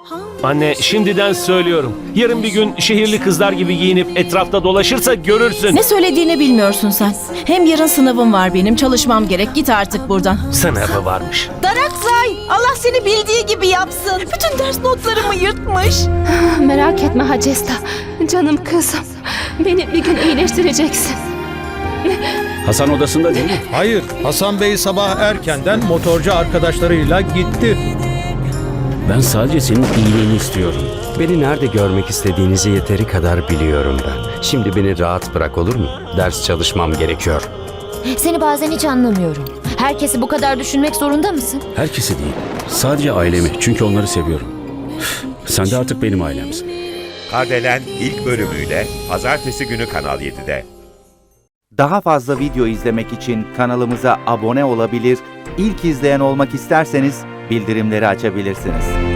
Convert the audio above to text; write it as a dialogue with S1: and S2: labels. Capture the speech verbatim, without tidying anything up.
S1: Anne, şimdiden söylüyorum. Yarın bir gün şehirli kızlar gibi giyinip etrafta dolaşırsa görürsün.
S2: Ne söylediğini bilmiyorsun sen. Hem yarın sınavım var benim. Çalışmam gerek. Git artık buradan.
S1: Sınavı varmış.
S2: Darakzay! Allah seni bildiği gibi yapsın. Bütün ders notlarımı yırtmış.
S3: Merak etme Hacesta. Canım kızım. Beni bir gün iyileştireceksin.
S4: Hasan odasında değil mi?
S5: Hayır, Hasan Bey sabah erkenden motorcu arkadaşlarıyla gitti.
S4: Ben sadece senin iyiliğini istiyorum.
S6: Beni nerede görmek istediğinizi yeteri kadar biliyorum ben. Şimdi beni rahat bırak, olur mu? Ders çalışmam gerekiyor.
S7: Seni bazen hiç anlamıyorum. Herkesi bu kadar düşünmek zorunda mısın?
S4: Herkesi değil. Sadece ailemi. Çünkü onları seviyorum. Sen de artık benim ailemsin.
S8: Kardelen ilk bölümüyle pazartesi günü Kanal yedide.
S9: Daha fazla video izlemek için kanalımıza abone olabilir, ilk izleyen olmak isterseniz bildirimleri açabilirsiniz.